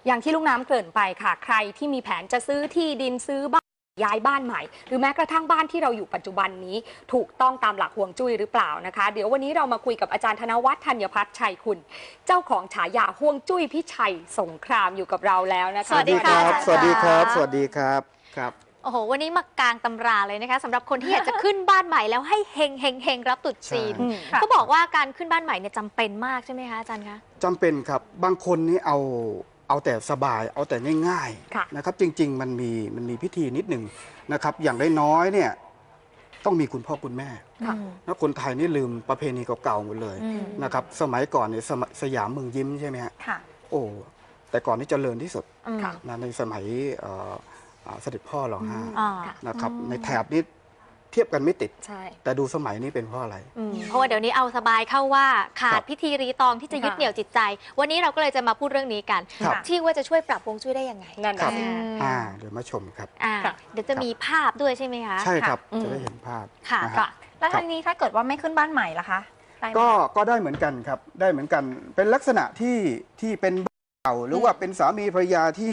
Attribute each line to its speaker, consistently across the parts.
Speaker 1: อย่างที่ลูกน้ำเกริ่นไปค่ะใครที่มีแผนจะซื้อที่ดินซื้อบ้านย้ายบ้านใหม่หรือแม้กระทั่งบ้านที่เราอยู่ปัจจุบันนี้ถูกต้องตามหลักฮวงจุ้ยหรือเปล่านะคะเดี๋ยววันนี้เรามาคุยกับอาจารย์ธนวัฒน์ธัญพัฒน์ชัยคุณเจ้าของฉายาฮวงจุ้ยพิชัยสงครามอยู่กับเราแล้วนะคะ
Speaker 2: สวัสดีครับ
Speaker 3: สวัสดีครับสวัสดีครับครับ
Speaker 2: โอ้โหวันนี้มากลางตำราเลยนะคะสำหรับคนที่อยากจะขึ้นบ้านใหม่แล้วให้เฮงเฮงเฮงรับตรุษจีนก็บอกว่าการขึ้นบ้านใหม่เนี่ยจำเป็นมากใช่ไหมคะอาจารย์คะ
Speaker 3: จำเป็นครับบางคนนี่เอาแต่สบายเอาแต่ง่ายๆนะครับจริงๆมันมีพิธีนิดหนึ่งนะครับอย่างน้อยๆเนี่ยต้องมีคุณพ่อคุณแม่แล้วคนไทยนี่ลืมประเพณีเก่าๆหมดเลยนะครับสมัยก่อนเนี่ยสยามเมืองยิ้มใช่ไหมฮะโอ้แต่ก่อนนี่เจริญที่สุดนะในสมัยเสด็จพ่อร.5นะครับในแถบนี้เทียบกันไม่ติดแต่ดูสมัยนี้เป็นเพราะอะไร
Speaker 2: เพราะว่าเดี๋ยวนี้เอาสบายเข้าว่าขาดพิธีรีตองที่จะยึดเหนี่ยวจิตใจวันนี้เราก็เลยจะมาพูดเรื่องนี้กันที่ว่าจะช่วยปรับฮวงจุ้ยได้ยังไง
Speaker 1: นั่นครับ
Speaker 3: เดี๋ยวมาชมครับ
Speaker 2: เดี๋ยวจะมีภาพด้วยใช่ไหมคะ
Speaker 3: ใช่ครับจะได้เห็นภาพ
Speaker 4: ค่ะแล้วทีนี้ถ้าเกิดว่าไม่ขึ้นบ้านใหม่ล่ะคะ
Speaker 3: ก็ได้เหมือนกันครับได้เหมือนกันเป็นลักษณะที่เป็นบ้านเก่าหรือว่าเป็นสามีภรรยาที่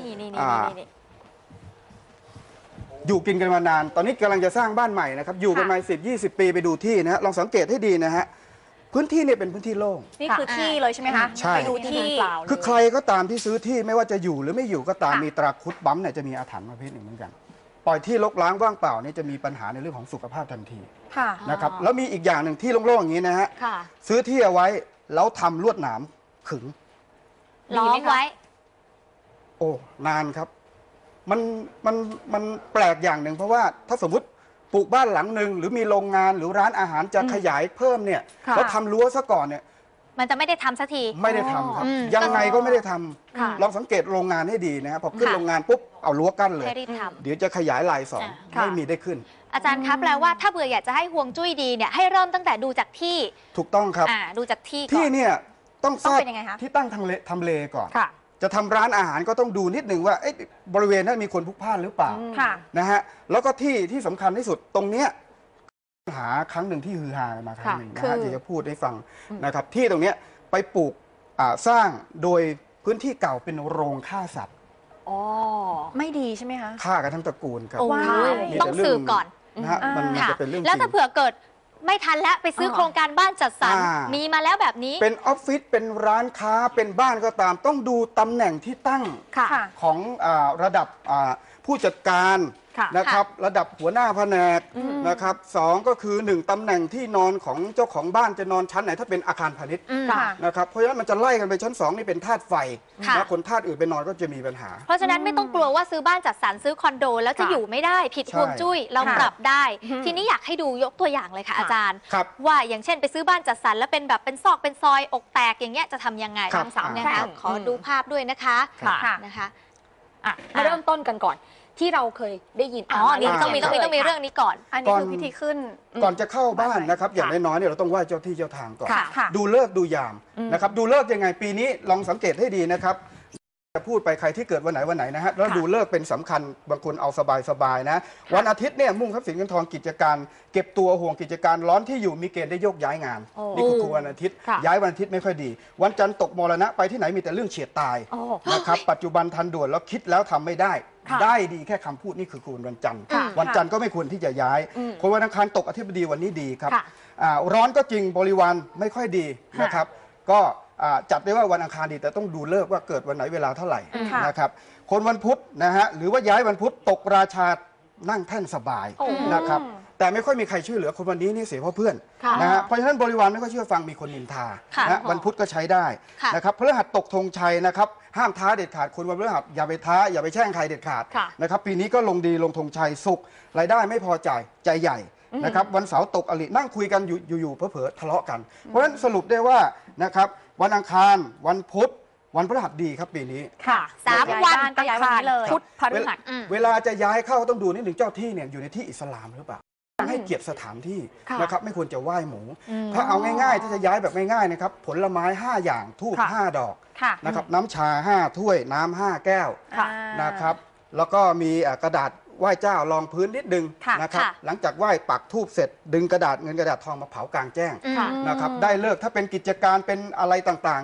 Speaker 3: อยู่กินกันมานานตอนนี้กำลังจะสร้างบ้านใหม่นะครับอยู่กันมา10-20 ปีไปดูที่นะฮะลองสังเกตให้ดีนะฮะพื้นที่เนี่ยเป็นพื้นที่โล่ง
Speaker 4: นี่คือที่เลยใช่ไหมคะ
Speaker 3: ใช่
Speaker 4: ไปดูที่
Speaker 3: คือใครก็ตามที่ซื้อที่ไม่ว่าจะอยู่หรือไม่อยู่ก็ตามมีตราคุดบั๊มเนี่ยจะมีอาถรรพ์ประเภทหนึ่งเหมือนกันปล่อยที่รกร้างว่างเปล่านี่จะมีปัญหาในเรื่องของสุขภาพทันทีนะครับแล้วมีอีกอย่างหนึ่งที่โล่งๆอย่างนี้นะฮะซื้อที่เอาไว้แล้วทำลวดหนามขึง
Speaker 2: ล้อมไว้
Speaker 3: โอ้นานครับมันแปลกอย่างหนึ่งเพราะว่าถ้าสมมติปลูกบ้านหลังหนึ่งหรือมีโรงงานหรือร้านอาหารจะขยายเพิ่มเนี่ยแล้วทำรั้วซะก่อนเนี่ย
Speaker 2: มันจะไม่ได้ทำสักที
Speaker 3: ไม่ได้ทำครับยังไงก็ไม่ได้ทำลองสังเกตโรงงานให้ดีนะครับพอขึ้นโรงงานปุ๊บเอารั้วกั้นเลยเดี๋ยวจะขยายลายสองไม่มีได้ขึ้น
Speaker 2: อาจารย์ครับแปลว่าถ้าเบื่ออยากจะให้ฮวงจุ้ยดีเนี่ยให้เริ่มตั้งแต่ดูจากที่
Speaker 3: ถูกต้องครับ
Speaker 2: ดูจากที่
Speaker 3: เนี่ยต้องทราบที่ตั้งทำเลก่อนจะทำร้านอาหารก็ต้องดูนิดหนึ่งว่าบริเวณนั้นมีคนพลุกพล่านหรือเปล่านะฮะแล้วก็ที่สำคัญที่สุดตรงเนี้ยหาครั้งหนึ่งที่ฮือฮามาครั้งหนึ่งนะฮะจะพูดให้ฟังนะครับที่ตรงเนี้ยไปปลูกสร้างโดยพื้นที่เก่าเป็นโรงฆ่าสัตว์
Speaker 4: ไม่ดีใช่ไหมคะ
Speaker 3: ฆ่ากันทั้งตระกูลครับ
Speaker 2: ต้องสืบก่อน
Speaker 3: นะฮะมันจะเป็นเรื่อง
Speaker 2: แล้วถ้าเผื่อเกิดไม่ทันแล้วไปซื้อโครงการบ้านจัดสรรมีมาแล้วแบบนี้
Speaker 3: เป็นออฟฟิศเป็นร้านค้าเป็นบ้านก็ตามต้องดูตำแหน่งที่ตั้งของระดับผู้จัดการนะครับระดับหัวหน้าแผนกนะครับ2ก็คือ1ตำแหน่งที่นอนของเจ้าของบ้านจะนอนชั้นไหนถ้าเป็นอาคารพาณิชย์นะครับเพราะฉะนั้นมันจะไล่กันไปชั้น2นี่เป็นธาตุไฟแล้วคนธาตุอื่นไปนอนก็จะมีปัญหา
Speaker 2: เพราะฉะนั้นไม่ต้องกลัวว่าซื้อบ้านจัดสรรซื้อคอนโดแล้วจะอยู่ไม่ได้ผิดฮวงจุ้ยเราปรับได้ทีนี้อยากให้ดูยกตัวอย่างเลยค่ะอาจารย์ว่าอย่างเช่นไปซื้อบ้านจัดสรรแล้วเป็นแบบเป็นซอกเป็นซอยอกแตกอย่างเงี้ยจะทำยังไงน้องสาวเนี่ยขอดูภาพด้วยนะคะ
Speaker 1: มาเริ่มต้นกันก่อนที่เราเคยได้ยิน
Speaker 2: นี่ต้องมีเรื่องนี้ก่อน
Speaker 4: อันนี้คือพิธีขึ้น
Speaker 3: ก่อนจะเข้าบ้านนะครับอย่างน้อยๆเนี่ยเราต้องไหว้เจ้าที่เจ้าทางก่อนดูฤกษ์ดูยามนะครับดูฤกษ์ยังไงปีนี้ลองสังเกตให้ดีนะครับจะพูดไปใครที่เกิดวันไหนนะฮะแล้วดูฤกษ์เป็นสำคัญบางคนเอาสบายนะวันอาทิตย์เนี่ยมุ่งทรัพย์สินเงินทองกิจการเก็บตัวห่วงกิจการร้อนที่อยู่มีเกณฑ์ได้โยกย้ายงานนี่คือวันอาทิตย์ย้ายวันอาทิตย์ไม่ค่อยดีวันจันทร์ตกมรณะไปที่ไหนมีแต่เรื่องเฉียดตายนะครับปัจจุบันทันด่วนแล้วคิดแล้วทำไม่ได้ดีแค่คำพูดนี่คือวันจันทร์วันจันทร์ก็ไม่ควรที่จะย้ายคนวันอังคารตกอธิบดีวันนี้ดีครับร้อนก็จริงบริวารไม่ค่อยดีนะครับก็จัดได้ว่าวันอังคารดีแต่ต้องดูฤกษ์ว่าเกิดวันไหนเวลาเท่าไหร่นะครับคนวันพุธนะฮะหรือว่าย้ายวันพุธตกราชานั่งแท่นสบายนะครับแต่ไม่ค่อยมีใครช่วยเหลือคนวันนี้นี่เสียเพราะเพื่อนนะฮะเพราะฉะนั้นบริวารไม่ค่อยเชื่อฟังมีคนนินทานะวันพุธก็ใช้ได้นะครับพฤหัสตกธงชัยนะครับห้ามท้าเด็ดขาดคนวันพฤหัสอย่าไปท้าอย่าไปแช่งใครเด็ดขาดนะครับปีนี้ก็ลงดีลงธงชัยสุขรายได้ไม่พอใจใหญ่นะครับวันเสาร์ตกอรินั่งคุยกันอยู่เผลอๆทะเลาะกันเพราะฉะนั้นสรุปได้ว่านะครับวันอังคารวันพุธวันพฤหัสดีครับปีนี้
Speaker 2: 3 วัน
Speaker 4: ก็ย้ายวันนี้เลย
Speaker 1: พุธพฤหัส
Speaker 3: เวลาจะย้ายเข้าต้องดูนิดหนึ่งเจ้าที่เนี่ยอยู่ในที่อิสลามหรือเปล่าให้เกียรติสถานที่นะครับไม่ควรจะไหว้หมูถ้าเอาง่ายๆถ้าจะย้ายแบบง่ายๆนะครับผลไม้5อย่างธูป5 ดอกนะครับน้ำชา5 ถ้วยน้ำ5 แก้วนะครับแล้วก็มีกระดาษไหว้เจ้ารองพื้นนิดนึงนะครับหลังจากไหว้ปักธูปเสร็จดึงกระดาษเงินกระดาษทองมาเผากลางแจ้งนะครับได้เลิกถ้าเป็นกิจการเป็นอะไรต่างๆเนี่ย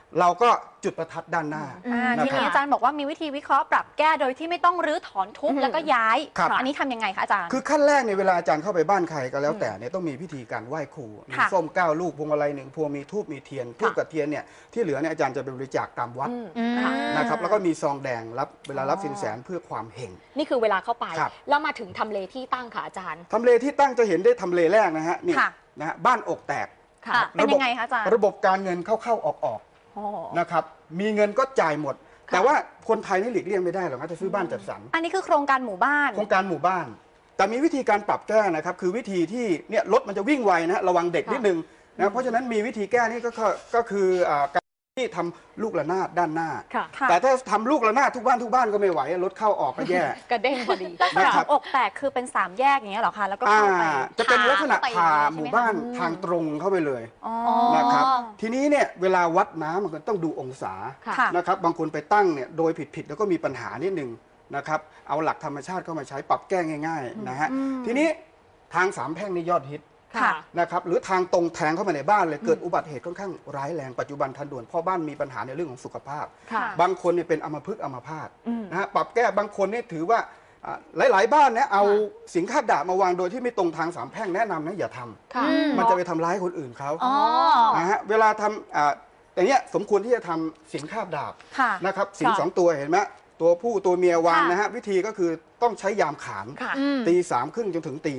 Speaker 3: เราก็จุดประทัดด้านหน้า
Speaker 4: ทีนี้อาจารย์บอกว่ามีวิธีวิเคราะห์ปรับแก้โดยที่ไม่ต้องรื้อถอนทุบแล้วก็ย้าย อันนี้ทำยังไงคะอาจารย์
Speaker 3: คือขั้นแรกในเวลาอาจารย์เข้าไปบ้านใครก็แล้วแต่เนี่ยต้องมีพิธีการไหว้ครูมีส้ม9 ลูกพวงมาลัย1 พวงมีธูปมีเทียนธูปกับเทียนเนี่ยที่เหลือเนี่ยอาจารย์จะไปบริจาคตามวัดนะครับแล้วก็มีซองแดงรับเวลารับสินแสเพื่อความเฮง
Speaker 1: นี่คือเวลาเข้าไป
Speaker 3: ครับ
Speaker 1: แล้วมาถึงทำเลที่ตั้งค่ะอาจารย์
Speaker 3: ทำเลที่ตั้งจะเห็นได้ทำเลแรกนะฮะนี่นะฮะบ้านอกแตก
Speaker 1: ค่ะ
Speaker 4: เป็นยังไงคะอาจารย์
Speaker 3: ระบบการเงินเข้าๆออกๆนะครับมีเงินก็จ่ายหมด แต่ว่าคนไทยนี่หลีกเลี่ยงไม่ได้หรอกนะจะซื้อบ้านจัดสรร
Speaker 4: อันนี้คือโครงการหมู่บ้าน
Speaker 3: โครงการหมู่บ้าน แต่มีวิธีการปรับแก้นะครับคือวิธีที่เนี่ยรถมันจะวิ่งไวนะระวังเด็กนิดนึงนะเพราะฉะนั้นมีวิธีแก้นี่ก็คือการที่ทำลูกระนาดด้านหน้า แต่ถ้าทำลูกระนาดทุกบ้านก็ไม่ไหวรถเข้าออกก็แย่
Speaker 1: กระเด้งพอดี
Speaker 4: ลักษณะของอกแตกคือเป็น3แยกอย่างเงี้ยเหรอคะแล้วก็เข้าไป
Speaker 3: จะเป็นลักษณะผ่าหมู่บ้านทางตรงเข้าไปเลยนะครับทีนี้เนี่ยเวลาวัดน้ำมันก็ต้องดูองศานะครับบางคนไปตั้งเนี่ยโดยผิดแล้วก็มีปัญหานิดนึงนะครับเอาหลักธรรมชาติเข้ามาใช้ปรับแก้ง่ายๆนะฮะทีนี้ทาง3 แพร่งนี่ยอดฮิตนะครับหรือทางตรงแทงเข้ามาในบ้านเลยเกิดอุบัติเหตุค่อนข้างร้ายแรงปัจจุบันทันด่วนเพราะบ้านมีปัญหาในเรื่องของสุขภาพบางคนเนี่ยเป็นอัมพฤกษ์อัมพาตนะฮะปรับแก้บางคนเนี่ยถือว่าหลายๆบ้านเนี่ยเอาสิงคาบดาบมาวางโดยที่ไม่ตรงทาง3 แพร่งแนะนำนะอย่าทำมันจะไปทำร้ายคนอื่นเขานะฮะเวลาทำอย่างเงี้ยสมควรที่จะทำสิงคาบดาบนะครับสิง2 ตัวเห็นไหมตัวผู้ตัวเมียวางนะฮะวิธีก็คือต้องใช้ยามขานตี3 ครึ่งจนถึงตี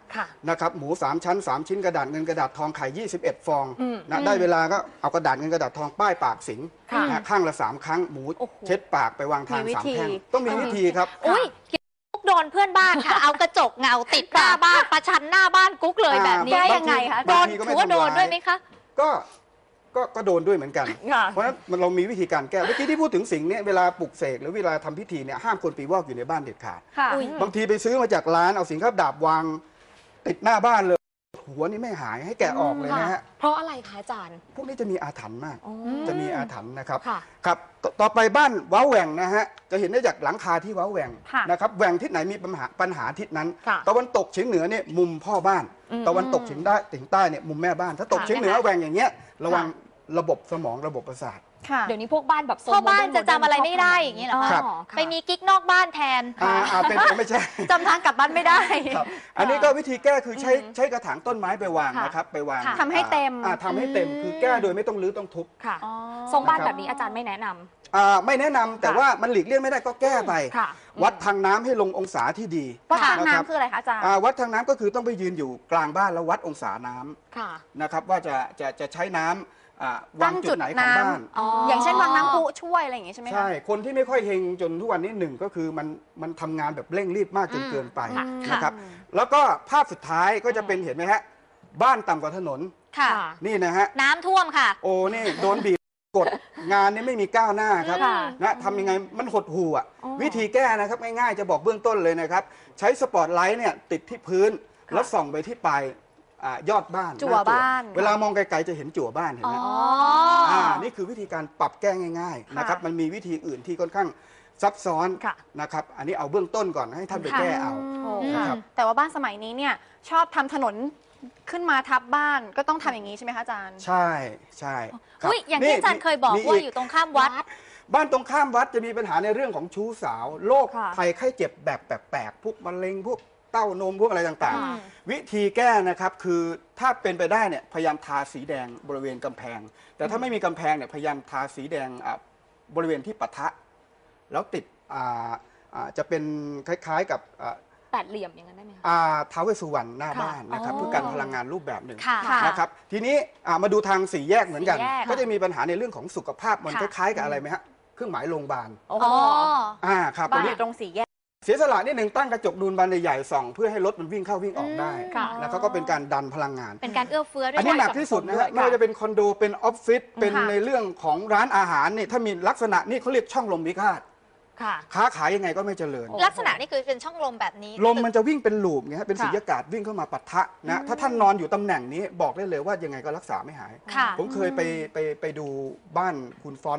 Speaker 3: 5นะครับหมู3 ชั้น3 ชิ้นกระดาษเงินกระดาษทองไข่21 ฟองนะได้เวลาก็เอากระดาษเงินกระดาษทองป้ายปากสิงนะข้างละ3 ครั้งหมูเช็ดปากไปวางทาง3 แพร่งต้องมีวิธีครับ
Speaker 2: อุ้ยกุ๊กโดนเพื่อนบ้านค่ะ เอากระจกเงาติดหน้าบ้านประชันหน้าบ้านกุ๊กเลยแบบนี้
Speaker 4: ได้ยังไงคะ
Speaker 2: โดนถือว่าโดนด้วยไหมคะ
Speaker 3: ก็โดนด้วยเหมือนกัน เพราะฉะนั้นเรามีวิธีการแก้เมื่อกี้ที่พูดถึงสิ่งนี้เวลาปลุกเสกหรือเวลาทำพิธีเนี่ยห้ามคนปีวอกอยู่ในบ้านเด็ดขาดบางทีไปซื้อมาจากร้านเอาสิงคาบดาบวางติดหน้าบ้านเลยหัวนี่ไม่หายให้แกะออกเลยนะฮะ
Speaker 1: เพราะอะไรคะอาจารย์
Speaker 3: พวกนี้จะมีอาถรรพ์มากจะมีอาถรรพ์นะครับครับต่อไปบ้านว้าแหว่งนะฮะจะเห็นได้จากหลังคาที่ว้าแหว่งนะครับแหว่งทิศไหนมีปัญหาทิศนั้นตะวันตกเฉียงเหนือเนี่ยมุมพ่อบ้านตะวันตกเฉียงใต้เนี่ยมุมแม่บ้านถ้าตกเฉียงเหนือแหว่งอย่างเงี้ยระวังระบบสมองระบบประสาท
Speaker 1: เดี๋ยวนี้พวกบ้านแบบ
Speaker 2: พ่อบ้านจะจำอะไรไม่ได้อย่างนี้เหรอคะไปมีกิ๊กนอกบ้านแทน
Speaker 3: เป็นไม่ใช่
Speaker 4: จำทางกลับบ้านไม่ได้
Speaker 3: อันนี้ก็วิธีแก้คือใช้กระถางต้นไม้ไปวางนะครับไปวาง
Speaker 4: ทำให้เต็ม
Speaker 3: คือแก้โดยไม่ต้องรื้อต้องทุบ
Speaker 1: ทรงบ้านแบบนี้อาจารย์ไม่แนะน
Speaker 3: ำไม่แนะนำแต่ว่ามันหลีกเลี่ยงไม่ได้ก็แก้ไปวัดทางน้ำให้ลงองศาที่ดี
Speaker 4: วัดทางน้ำคืออะไรคะอาจารย์
Speaker 3: วัดทางน้ำก็คือต้องไปยืนอยู่กลางบ้านแล้ววัดองศาน้ำนะครับว่าจะใช้น้ำวางจุดไหนของบ้าน
Speaker 4: อย่างเช่นวางน้ำพุช่วยอะไรอย่างงี้ใช่ไหมคะ
Speaker 3: ใช่คนที่ไม่ค่อยเฮงจนทุกวันนี้1ก็คือมันทำงานแบบเร่งรีบมากจนเกินไปนะครับแล้วก็ภาพสุดท้ายก็จะเป็นเห็นไหมฮะบ้านต่ำกว่าถนนนี่นะฮะ
Speaker 2: น้ำท่วมค่ะ
Speaker 3: โอ้นี่โดนบีบกดงานนี่ไม่มีก้าวหน้าครับนะทำยังไงมันหดหู่อ่ะวิธีแก้นะครับง่ายๆจะบอกเบื้องต้นเลยนะครับใช้สปอตไลท์เนี่ยติดที่พื้นแล้วส่องไปที่ปลายยอดบ้าน
Speaker 4: จั่วบ้าน
Speaker 3: เวลามองไกลๆจะเห็นจั่วบ้านเห็นไหมนี่คือวิธีการปรับแก้ง่ายๆนะครับมันมีวิธีอื่นที่ค่อนข้างซับซ้อนนะครับอันนี้เอาเบื้องต้นก่อนให้ท่านไปแก้เอา
Speaker 4: แต่ว่าบ้านสมัยนี้เนี่ยชอบทำถนนขึ้นมาทับบ้านก็ต้องทำอย่างนี้ใช่ไหมคะอาจารย์
Speaker 3: ใช่ใช่
Speaker 2: อย่างที่อาจารย์เคยบอกว่าอยู่ตรงข้ามวัด
Speaker 3: บ้านตรงข้ามวัดจะมีปัญหาในเรื่องของชู้สาวโรคภัยไข้เจ็บแบบแปลกๆพวกมะเร็งพวกเต้านมพวกอะไรต่างๆวิธีแก้นะครับคือถ้าเป็นไปได้เนี่ยพยายามทาสีแดงบริเวณกำแพงแต่ถ้าไม่มีกำแพงเนี่ยพยายามทาสีแดงบริเวณที่ปะทะแล้วติดจะเป็นคล้ายๆกับ
Speaker 1: แปดเหลี่ยมอย่างนั้นได้ไหมคะ
Speaker 3: ท้าวเวสสุวรรณหน้าบ้านนะครับเพื่อการพลังงานรูปแบบหนึ่งนะครับทีนี้มาดูทาง4 แยกเหมือนกันก็จะมีปัญหาในเรื่องของสุขภาพมันคล้ายๆกับอะไรไหมฮะเครื่องหมายโรงพยาบาลครับ
Speaker 4: บ้านอยู่ตรง4 แยก
Speaker 3: เสียสละนิดหนึ่งตั้งกระจกดูนบานใหญ่ๆส่องเพื่อให้รถมันวิ่งเข้าวิ่งออกได้แล้วก็เป็นการดันพลังงาน
Speaker 2: เป็นการเอื้อเฟื้อด้วย
Speaker 3: อันนี้หนักที่สุดนะฮะไม่ว่าจะเป็นคอนโดเป็นออฟฟิศเป็นในเรื่องของร้านอาหารนี่ถ้ามีลักษณะนี่เขาเรียกช่องลมพิฆาตค้าขายยังไงก็ไม่เจริญ
Speaker 2: ลักษณะนี่คือเป็นช่องลมแบบนี้
Speaker 3: ลมมันจะวิ่งเป็นลูปไงฮะเป็นสุญญากาศวิ่งเข้ามาปะทะนะถ้าท่านนอนอยู่ตำแหน่งนี้บอกได้เลยว่ายังไงก็รักษาไม่หายผมเคยไปดูบ้านคุณฟอนต์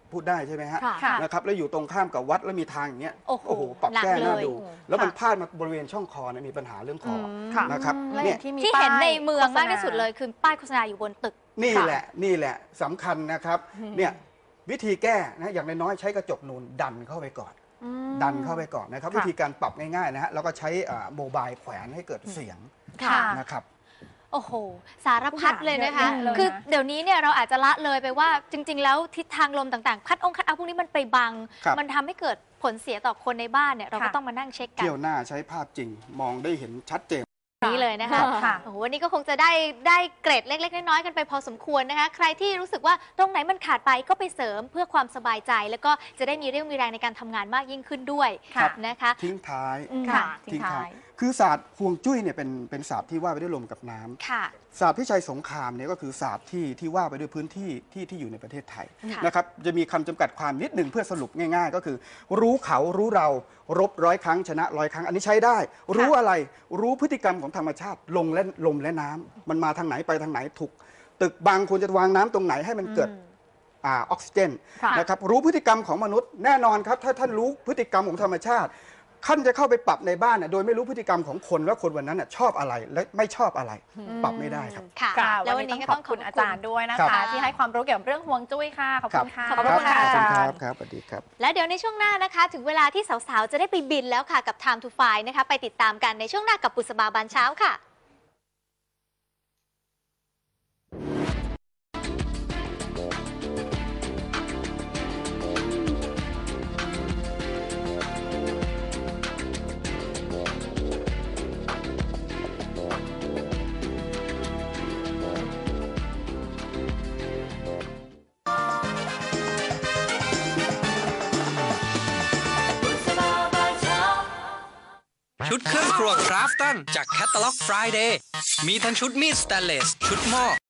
Speaker 3: พูดได้ใช่ไหมฮะ
Speaker 1: ค่ะ
Speaker 3: นะครับแล้วอยู่ตรงข้ามกับวัดแล้วมีทางอย่างเงี้ย
Speaker 2: โอ้โห
Speaker 3: ปรับ
Speaker 2: หนัก
Speaker 3: แก้หน้า
Speaker 2: เลย
Speaker 3: ดู แล้วมันพลาดมาบริเวณช่องคอเนี่ยมีปัญหาเรื่องคอ
Speaker 4: ค่ะ
Speaker 3: นะครับ
Speaker 4: และอ
Speaker 3: เนี่ย
Speaker 4: ย่างที่มี
Speaker 2: ที่เห็นในเมืองมาก
Speaker 4: ป้ย
Speaker 2: ที่สุดเลยคือป้ายโฆษณาอยู่บนตึก
Speaker 3: นี่แหละสำคัญนะครับเนี่ยวิธีแก้นะอย่างน้อยๆใช้กระจกนูนดันเข้าไปก่อน ดันเข้าไปก่อนนะครับ
Speaker 4: ค่ะ
Speaker 3: วิธีการปรับง่ายๆนะฮะแล้วก็ใช้โมบายแขวนให้เกิดเสียง
Speaker 2: ค่ะ
Speaker 3: นะครับ
Speaker 2: โอ้โห สารพัดเลยนะคะ
Speaker 4: เยอะแยะเลยนะ
Speaker 2: คือเดี๋ยวนี้เนี่ยเราอาจจะละเลยไปว่าจริง ๆ แล้วทิศทางลมต่างๆ คัดเอาพวกนี้มันไปบัง
Speaker 3: ครับ
Speaker 2: มันทำให้เกิดผลเสียต่อคนในบ้านเนี่ยเราก็
Speaker 4: ค่ะ
Speaker 2: ต้องมานั่งเช็คกัน
Speaker 3: เที่ยวหน้าใช้ภาพจริงมองได้เห็นชัดเจน
Speaker 2: นี้เลยนะคะ
Speaker 4: ค่ะ
Speaker 2: โอ้โหวันนี้ก็คงจะได้เกรดเล็ก ๆ น้อยๆกันไปพอสมควรนะคะ ใครที่รู้สึกว่าตรงไหนมันขาดไปก็ไปเสริมเพื่อความสบายใจ แล้วก็จะได้มีเรี่ยวมีแรงในการทำงานมากยิ่งขึ้นด้วย
Speaker 4: ครับ
Speaker 2: นะคะ
Speaker 3: ทิ้งท้าย
Speaker 4: ค่ะ
Speaker 3: ทิ้งท้ายคือศาสตร์ฮวงจุ้ยเนี่ยเป็นศาสตร์ที่ว่าไปด้วยลมกับน้ำ
Speaker 2: ค่ะ
Speaker 3: ศาสตร์พิชัยสงครามเนี่ยก็คือศาสตร์ที่ว่าไปด้วยพื้นที่ที่อยู่ในประเทศไทย
Speaker 2: ค่ะ
Speaker 3: นะครับจะมีคำจำกัดความนิดหนึ่งเพื่อสรุปง่ายๆ ก็คือ รู้เขารู้เรารบ100 ครั้งชนะ100 ครั้งอันนี้ใช้ได้ รู้อะไรรู้พฤติกรรมของธรรมชาติลมและน้ำมันมาทางไหนไปทางไหนถูกตึกบางควรจะวางน้ำตรงไหนให้มันเกิดออกซิเจน
Speaker 4: ค่ะ
Speaker 3: นะครับรู้พฤติกรรมของมนุษย์แน่นอนครับถ้าท่านรู้พฤติกรรมของธรรมชาติท่านจะเข้าไปปรับในบ้านน่ะโดยไม่รู้พฤติกรรมของคนว่าคนวันนั้นน่ะชอบอะไรและไม่ชอบอะไร ปรับไม่ได้ครับ
Speaker 2: ค่ะ
Speaker 4: ค่ะ
Speaker 2: แล้ว
Speaker 4: วั
Speaker 2: วัน น
Speaker 4: นี้
Speaker 2: นี้
Speaker 4: ต้
Speaker 2: ก็
Speaker 4: องข
Speaker 2: ต้
Speaker 4: อ
Speaker 2: อบ งขอบ
Speaker 4: คุณอา
Speaker 2: คุ
Speaker 4: จาร
Speaker 2: ณ
Speaker 4: ย์ด้วยนะ
Speaker 3: ครั
Speaker 4: คะ
Speaker 3: บ
Speaker 4: ที่ให้ความรู้เกี่ยวกับเรื่องฮวงจุ้ยค่ะ ขอบคุณค่ะ
Speaker 2: ขอบคุณค่ะ
Speaker 3: ขอบคุณครับสวัสดีครับ
Speaker 2: และเดี๋ยวในช่วงหน้านะคะ ถึงเวลาที่สาวๆ จะได้ไปบินแล้วค่ะกับ Time to Fly นะคะ ไปติดตามกันในช่วงหน้ากับบุษบาบานเช้าค่ะ
Speaker 5: ชุดเครื่องครัวคราฟตันจากแคตตาล็อก Friday มีทั้งชุดมีดสแตนเลส ชุดหม้อ